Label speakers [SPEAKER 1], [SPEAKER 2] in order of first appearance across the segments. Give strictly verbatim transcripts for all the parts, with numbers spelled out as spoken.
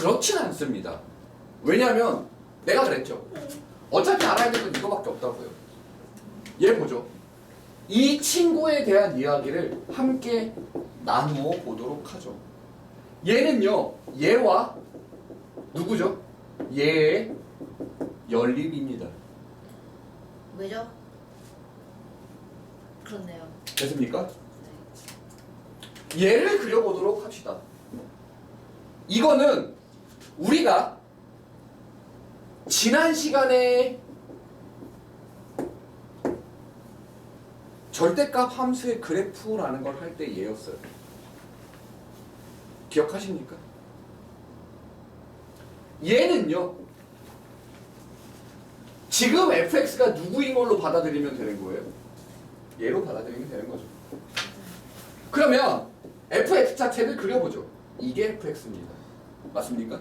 [SPEAKER 1] 그렇진 않습니다. 왜냐하면 내가 그랬죠. 어차피 알아야 될 건 이거밖에 없다고요. 얘 보죠. 이 친구에 대한 이야기를 함께 나누어 보도록 하죠. 얘는요, 얘와 누구죠? 얘의 연립입니다.
[SPEAKER 2] 왜죠? 그렇네요.
[SPEAKER 1] 됐습니까? 얘를 그려보도록 합시다. 이거는 우리가 지난 시간에 절대값 함수의 그래프라는 걸 할 때 얘였어요. 기억하십니까? 얘는요, 지금 에프엑스가 누구인 걸로 받아들이면 되는 거예요? 얘로 받아들이면 되는 거죠. 그러면 에프엑스 자체를 그려보죠. 이게 에프엑스입니다. 맞습니까?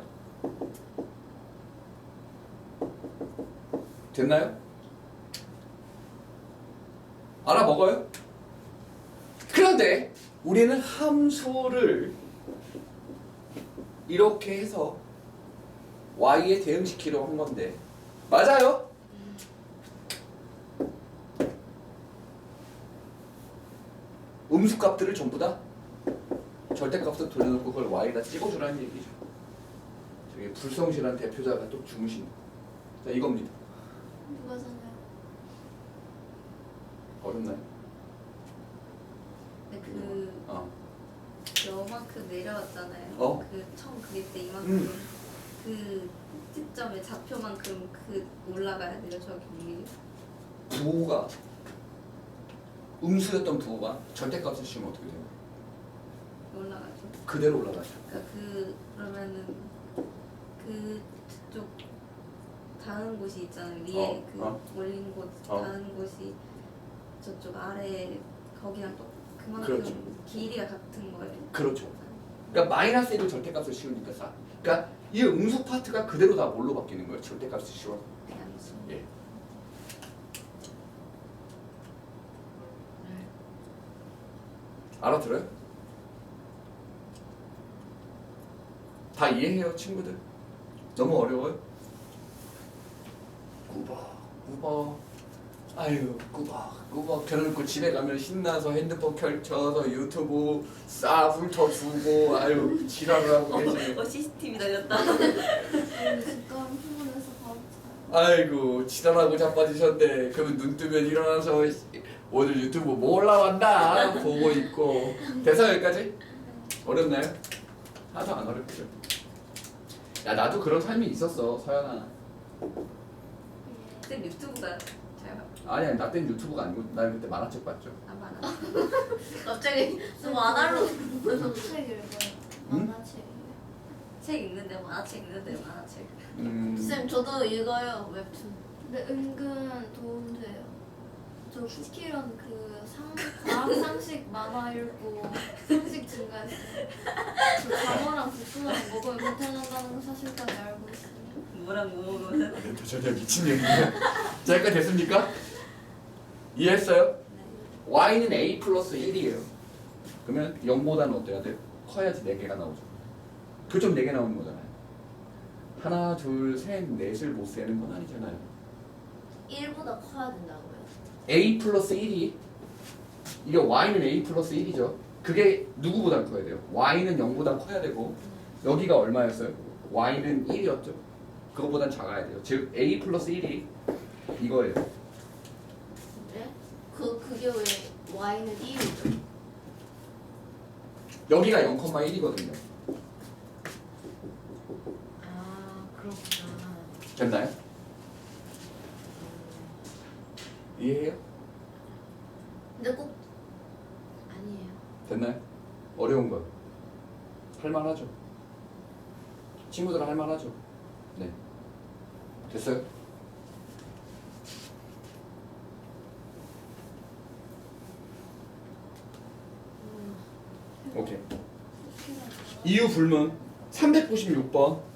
[SPEAKER 1] 됐나요? 알아먹어요? 그런데 우리는 함수를 이렇게 해서 y에 대응시키려고 한 건데 맞아요? 음수값들을 전부 다 절대값으로 돌려놓고 그걸 y에다 찍어주라는 얘기죠. 저기 불성실한 대표자가 또 주무신 자 이겁니다.
[SPEAKER 2] 누가 사나요?
[SPEAKER 1] 어렵나요?
[SPEAKER 3] 근데 그
[SPEAKER 1] 어.
[SPEAKER 3] 요만큼 내려왔잖아요.
[SPEAKER 1] 어?
[SPEAKER 3] 그 처음 그릴 때 이만큼
[SPEAKER 1] 음.
[SPEAKER 3] 그 시점의 좌표만큼 그 올라가야 돼요. 저기
[SPEAKER 1] 부호가 음수였던 부호가 절대값을 씌우면 어떻게 돼요?
[SPEAKER 3] 올라가죠.
[SPEAKER 1] 그대로 올라가죠.
[SPEAKER 3] 그러니까 그 그러면은 그쪽 닿은 곳이 있잖아요. 위에
[SPEAKER 1] 어,
[SPEAKER 3] 그
[SPEAKER 1] 어.
[SPEAKER 3] 올린 곳
[SPEAKER 1] 어.
[SPEAKER 3] 닿은 곳이 저쪽 아래 거기랑 또 그만큼
[SPEAKER 1] 그렇죠.
[SPEAKER 3] 길이가 같은 거예요.
[SPEAKER 1] 그렇죠. 그러니까 마이너스 일을 절대값을 씌우니까 사. 그러니까 이 음수 파트가 그대로 다 뭘로 바뀌는 거예요? 절대값을 씌워.
[SPEAKER 3] 그냥 수.
[SPEAKER 1] 예. 알아들어요? 다 이해해요, 친구들? 너무 어려워요? 꾸벅, 꾸벅. 아유, 꾸벅, 꾸벅. 그래놓고 집에 가면 신나서 핸드폰 펼쳐서 유튜브 싹 훑어주고, 아유, 지랄을 하고 계시네.
[SPEAKER 3] 어 씨씨티비 달렸다.
[SPEAKER 2] 진짜 피곤해서 바로 자요.
[SPEAKER 1] 아이고, 지랄하고 자빠지셨네. 그러면 눈 뜨면 일어나서 오늘 유튜브 뭐 올라왔나 보고 있고. 돼서 여기까지? 어렵나요? 하나도 안 어렵죠. 야, 나도 그런 삶이 있었어, 서연아.
[SPEAKER 3] 그때 유튜브가 잘 봐.
[SPEAKER 1] 아니, 아니, 나 때는 유튜브가 아니고, 나 그때 만화책 봤죠.
[SPEAKER 3] 안 많아.
[SPEAKER 2] 갑자기 좀 아날로
[SPEAKER 4] 무슨 책 읽어요?
[SPEAKER 1] 응?
[SPEAKER 4] 만화책이에요?
[SPEAKER 3] 책 읽는데 만화책 읽는데 만화책.
[SPEAKER 1] 음,
[SPEAKER 2] 쌤 저도 읽어요 웹툰.
[SPEAKER 4] 근데 은근 도움돼요. 저 키키런 그 상, 과학 상식 만화 읽고 상식 증가했어요. 저 장어랑 볶음밥 먹으면 못해난다는 거 사실까지 알고 있어요.
[SPEAKER 3] 뭐랑 뭐 먹으면
[SPEAKER 1] 네, 전혀 미친 얘기네. 자, 여기까지 됐습니까? 이해했어요? y는 a 플러스 일이에요. 그러면 영보다는 어때야 돼요? 커야지 네 개가 나오죠. 교점 네 개 나오는 거잖아요. 하나, 둘, 셋, 넷을 못 세는 건 아니잖아요.
[SPEAKER 2] 일보다 커야 된다고요?
[SPEAKER 1] a 플러스 일이 이게 y는 a 플러스 일이죠. 그게 누구보다 커야 돼요? y는 영보다 커야 되고 여기가 얼마였어요? y는 일이었죠. 그거보단 작아야 돼요. 즉 a 플러스 일이 이거예요.
[SPEAKER 2] 네? 그 그게 왜 y는 일이죠?
[SPEAKER 1] 여기가 영 콤마 일이거든요.
[SPEAKER 2] 아 그렇구나.
[SPEAKER 1] 됐나요? 이해해요?
[SPEAKER 2] 근데 꼭 아니에요.
[SPEAKER 1] 됐나요? 어려운 거 할만하죠? 친구들 할만하죠? 네. 됐어요? 오케이. 이유 불문 삼백구십육 번